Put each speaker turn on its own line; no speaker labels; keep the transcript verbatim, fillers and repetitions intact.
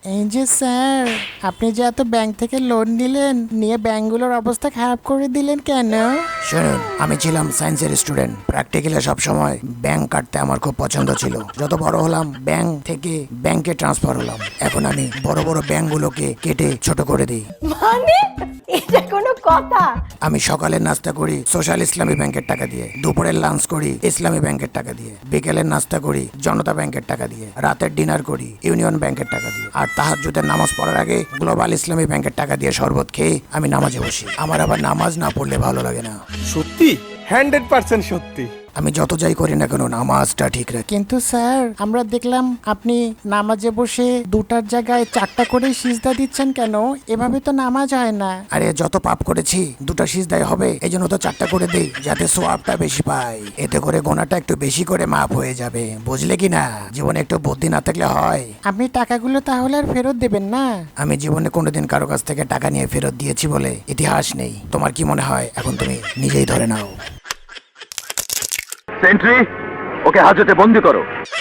এই যে স্যার, আপনি যে এত ব্যাংক থেকে লোন নিলেন, নিয়ে ব্যাংকগুলোর অবস্থা খারাপ করে দিলেন কেন?
শুনুন, আমি ছিলাম সায়েন্সের স্টুডেন্ট। প্র্যাকটিক্যালে সবসময় ব্যাংক কাটতে আমার খুব পছন্দ ছিল। যত বড় হলাম ব্যাংক থেকে ব্যাংকে ট্রান্সফার হলাম। এখন আমি বড় বড় ব্যাংকগুলোকে কেটে ছোট করে দিই।
মানে এটা কোনো কথা?
আমি সকালের নাস্তা করি সোশ্যাল ইসলামী ব্যাংকের টাকা দিয়ে, দুপুরের লাঞ্চ করি ইসলামী ব্যাংকের টাকা দিয়ে, বিকেলের নাস্তা করি জনতা ব্যাংকের টাকা দিয়ে, রাতের ডিনার করি ইউনিয়ন ব্যাংকের টাকা দিয়ে, আর তাহাজ্জুদের নামাজ পড়ার আগে গ্লোবাল ইসলামী ব্যাংকের টাকা দিয়ে শরবত খেয়ে আমি নামাজে বসি। আমার আবার নামাজ না পড়লে ভালো লাগে না।
সত্যি হান্ড্রেড পার্সেন্ট সত্যি।
আমি যত যাই করি না কেন নামাজটা ঠিক রাখি।
কিন্তু স্যার, আমরা দেখলাম আপনি নামাজে বসে দুটার জায়গায় চারটা করে সিজদা দিচ্ছেন কেন? এভাবে তো নামাজ হয় না।
আরে যত পাপ করেছি দুটো সিজদায় হবে, এই জন্য তো চারটা করে দেই, যাতে সোয়াবটা বেশি পাই। এতে করে গোনাটা একটু বেশি করে মাপ হয়ে যাবে, বুঝলে কি না? জীবনে একটু বুদ্ধি না থাকলে হয়?
আপনি টাকাগুলো তাহলে আর ফেরত দেবেন না?
আমি জীবনে কোনোদিন কারো কাছ থেকে টাকা নিয়ে ফেরত দিয়েছি বলে ইতিহাস নেই। তোমার কি মনে হয়? এখন তুমি নিজেই ধরে নাও।
সেন্ট্রি, ওকে হাজতে বন্দি করো।